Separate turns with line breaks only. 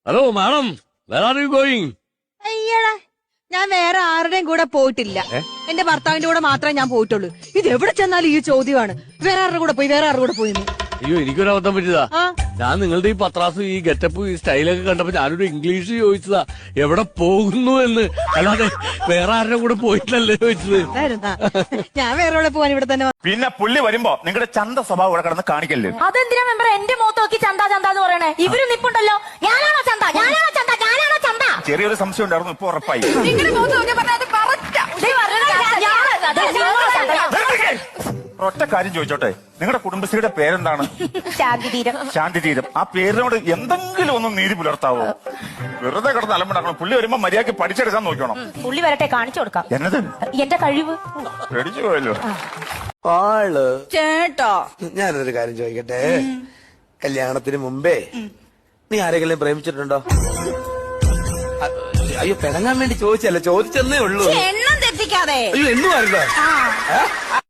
Hello madam, where are you going?
അയ്യടാ, ഞാൻ വേറെ ആരുടെയും കൂടെ പോയിട്ടില്ല. എന്റെ ഭർത്താവിന്റെ കൂടെ മാത്രമേ ഞാൻ പോയിട്ടുള്ളൂ. ഇത് എവിടെ ചെന്നാലും ഈ ചോദ്യമാണ്, വേറെ ആരുടെ കൂടെ പോയി.
അയ്യോ, എനിക്കൊരു അബദ്ധം പറ്റിയതാ.
ആ.
ഞാൻ നിങ്ങളുടെ ഈ പത്രാസും ഈ ഗെറ്റപ്പ് ഈ സ്റ്റൈലൊക്കെ കണ്ടപ്പോ ഞാനൊരു ഇംഗ്ലീഷ് ചോദിച്ചതാ, എവിടെ പോകുന്നു എന്ന്. അല്ലാതെ വേറെ ആരുടെ കൂടെ പോയിട്ടല്ലേ ചോദിച്ചത്.
ഞാൻ വേറെ എവിടെ പോവാൻ ഇവിടെ തന്നെ.
പിന്നെ പുള്ളി വരുമ്പോ നിങ്ങളുടെ ചന്ത സ്വഭാവം ഇവിടെ കിടന്ന് കാണിക്കല്ലേ?
അതെന്തിനാ മെമ്പർ എന്റെ മുഖത്ത് നോക്കി ചന്ത എന്ന് പറയണേ? ഇവര് നിപ്പുണ്ടല്ലോ, ഞാനാണോ ചന്ത?
ചെറിയൊരു സംശയം ഉണ്ടായിരുന്നു, ഇപ്പൊ ഉറപ്പായി. ഒറ്റ കാര്യം ചോദിച്ചോട്ടെ, നിങ്ങളുടെ കുടുംബശ്രീയുടെ പേരെന്താണ്? ശാന്തിതീരം. ആ പേരിനോട് എന്തെങ്കിലും ഒന്ന് നീതി പുലർത്താവോ? വെറുതെ കിടന്ന് അലമ്പുണ്ടാക്കണം. പുള്ളി വരുമ്പോ മര്യാദക്ക് പഠിച്ചെടുക്കാൻ നോക്കണം.
പുള്ളി വരട്ടെ, കാണിച്ചു കൊടുക്കാം
എന്നത്
എന്റെ കഴിവ്.
പേടിച്ചു പോയല്ലോ
ആള്.
ചേട്ടാ,
ഞാനൊരു കാര്യം ചോദിക്കട്ടെ, കല്യാണത്തിന് മുമ്പേ നീ ആരെങ്കിലും പ്രേമിച്ചിട്ടുണ്ടോ? അയ്യോ, പിണങ്ങാൻ വേണ്ടി ചോദിച്ചല്ലേ, ചോദിച്ചെന്നേ ഉള്ളൂ.
എണ്ണം തെറ്റിക്കാതെ.
അയ്യോ, എന്നും ആരുണ്ടോ?